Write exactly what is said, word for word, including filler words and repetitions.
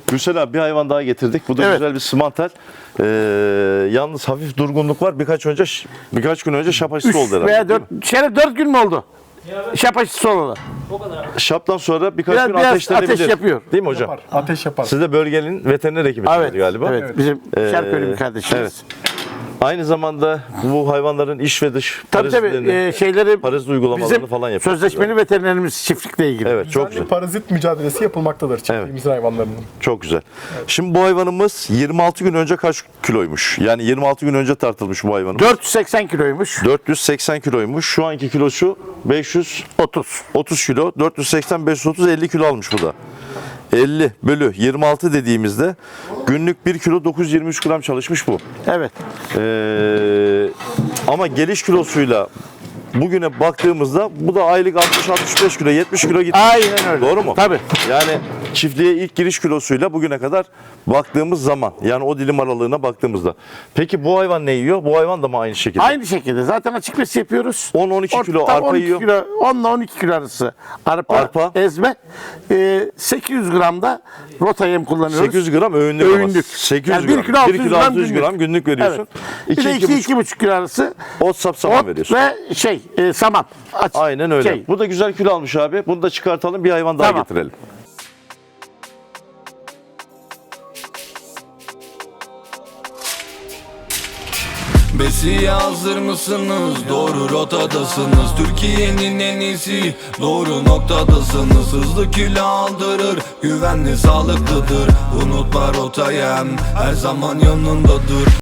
Gürsel abi bir hayvan daha getirdik. Bu da Evet. güzel bir simantel. Ee, yalnız hafif durgunluk var. Birkaç önce birkaç gün önce şap aşısı oldu üç herhalde. veya dört, Şeref dört gün mü oldu? Şap aşısı olalı. Şaptan sonra birkaç Biraz- gün biraz ateşlenebilir. ateş yapıyor. Değil mi hocam? Yapar, ateş yapar. Siz de bölgenin veteriner hekimsiniz Evet, galiba. evet. Bizim Ee, Şerköylü bir kardeşimiz. evet. Aynı zamanda bu hayvanların iç ve dış Tabii tabii parazitlerini, e, şeyleri parazit uygulamalarını bizim falan yapıyoruz. sözleşmeli veterinerimiz çiftlikle ilgili. Evet, çok Çok güzel. parazit mücadelesi yapılmaktadır çiftliğimizin hayvanlarının. Çok güzel. Şimdi bu hayvanımız yirmi altı gün önce kaç kiloymuş? Yani yirmi altı gün önce tartılmış bu hayvanımız. dört yüz seksen kiloymuş. dört yüz seksen kiloymuş. Şu anki kilosu beş yüz otuz. otuz kilo. dört yüz seksen, beş yüz otuz, elli kilo almış bu da. elli bölü yirmi altı dediğimizde günlük bir kilo dokuz yüz yirmi üç gram çalışmış bu. Evet. Ee, ama geliş kilosuyla bugüne baktığımızda bu da aylık altmış altmış beş kilo, yetmiş kilo gitmiş. Aynen öyle. Doğru mu? Tabii. Yani çiftliğe ilk giriş kilosuyla bugüne kadar baktığımız zaman, yani o dilim aralığına baktığımızda. Peki bu hayvan ne yiyor? Bu hayvan da mı aynı şekilde? Aynı şekilde zaten açık besi yapıyoruz. on on iki kilo Orta arpa on iki yiyor. Kilo, on ile on iki kilo arası arpa, Arpa. ezme. Ee, sekiz yüz gram da rota yem kullanıyoruz. sekiz yüz gram öğünlük. ama. Öğünlük. sekiz yüz Yani bir gram. kilo altı yüz bir kilo altı yüz gram günlük veriyorsun. Evet. Bir de iki iki buçuk kilo arası Ot sapsaman ot veriyorsun. ve şey e, saman. Aç- Aynen öyle. Şey, Bu da güzel kilo almış abi. Bunu da çıkartalım, bir hayvan daha Tamam. getirelim. Besiye hazır mısınız? Doğru rotadasınız. Türkiye'nin en iyisi, doğru noktadasınız. Hızlı kilo aldırır, güvenli sağlıklıdır. Unutma rotayı, her zaman yanındadır.